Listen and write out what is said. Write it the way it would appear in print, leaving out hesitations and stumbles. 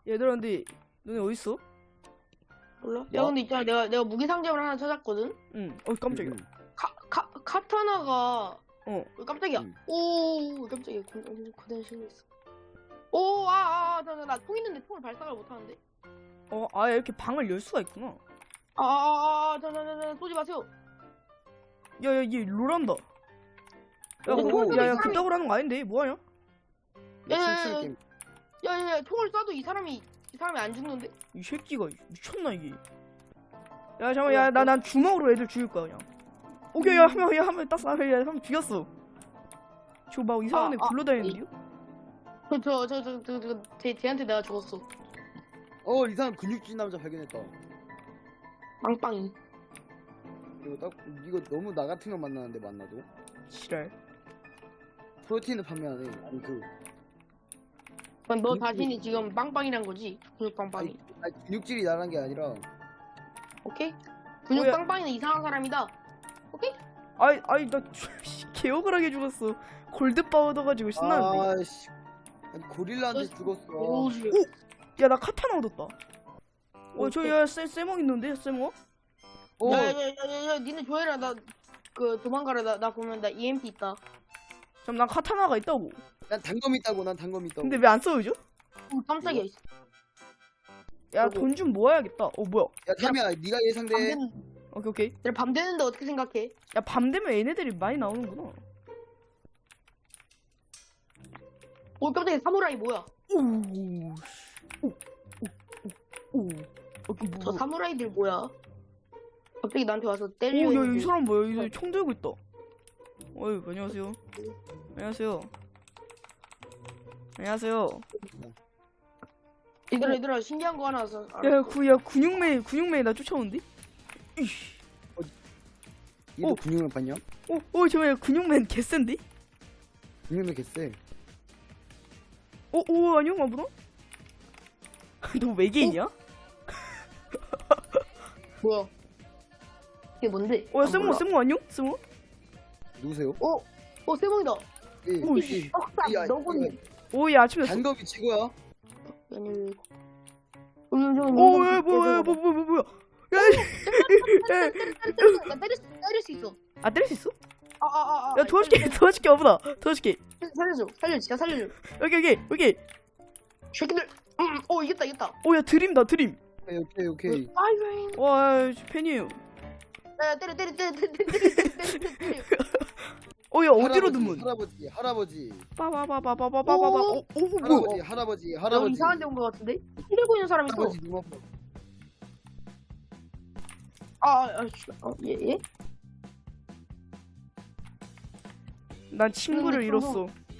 얘들아, 근데 너네 어딨어? 몰라? 야 근데 있잖아 내가 무기 상점을 하나 찾았거든? 응. 깜짝이야. 카타나가 어. 깜짝이야. 응. 오 깜짝이야. 고된 실수했어. 나 총 있는데 총을 발사를 못하는데? 이렇게 방을 열 수가 있구나. 쏘지 마세요. 야, 얘 롤한다. 야, 근데 총을 쏘도 이 사람이 그따구로 하는 거 아닌데? 뭐하냐? 춤추는 게임. 야야야 총을 쏴도 이 사람이 안 죽는데? 이 새끼가 미쳤나, 이게. 야, 잠깐만, 야, 난 주먹으로 애들 죽일 거야, 그냥. 오케이, 야, 한 명 땄어. 야, 한 명 죽였어. 저 막 이상한 애 굴러다니는데요? 쟤한테 내가 죽었어. 이 사람 근육질 남자 발견했다. 빵빵이. 이거 너무 나 같은 거 만나는데 만나도 지랄. 프로틴을 판매하네. 아니 그럼 너 자신이 지금 빵빵이란 거지? 근육 빵빵이. 아니 근육질이 나란 게 아니라. 오케이? 근육 뭐야? 빵빵이는 이상한 사람이다. 오케이? 나 개억울하게 죽었어. 골드바 얻어가지고 신나는데. 아씨. 아니 고릴라한테 죽었어. 오우씨. 야, 나 카타나 얻었다. 야, 쇠멍 있는데, 쇠멍? 야야야야 니네 조회라 나 도망가라 나 보면 나 EMP 있다. 잠깐, 난 카타나가 있다고. 난 단검 있다고. 근데 왜 안 써요죠? 오 깜짝이야. 야, 어구. 돈 좀 모아야겠다. 뭐야? 야 타미야 네가 밤 예상돼. 되는 오케이. 내가 밤 되는데 어떻게 생각해? 야, 밤 되면 얘네들이 많이 나오는구나. 오 깜짝이야. 사무라이 뭐야? 저 사무라이들 뭐야? 갑자기 나한테 와서 때리려. 야, 이 사람 뭐야? 이 사람 총 들고 있다. 안녕하세요. 안녕하세요. 얘들아 신기한 거 하나 와서. 야, 근육맨이 나 쫓아오는데? 이씨. 얘도 근육을 봤냐? 잠깐만, 근육맨 개센데? 근육을 개쎄. 안녕, 아무나? 너 외계인이야? 뭐야? 이게 뭔데? 야, 세모 안녕? 세모? 누구세요? 세몽이다. 오씨. 너군. 얘 아침에 단검이 최고야. 아니. 뭐야? 야, 나 때릴 수 있어. 때릴 수 있어? 아. 야, 도와줄게, 아무나. 도와줄게. 살려줘. 진짜 살려줘. 여기. 새끼들. 이겼다. 야, 드림. 오케이. 아이고. 와, 팬이에요. 야, 때려. 야, 어디로 드문? 할아버지. 빠바바바바바바바. 뭐야? 할아버지. 너 이상한 데 온 거 같은데? 손 들고 있는 사람 있어. 할아버지 눈 아파. 얘? 난 친구를 근데 잃었어.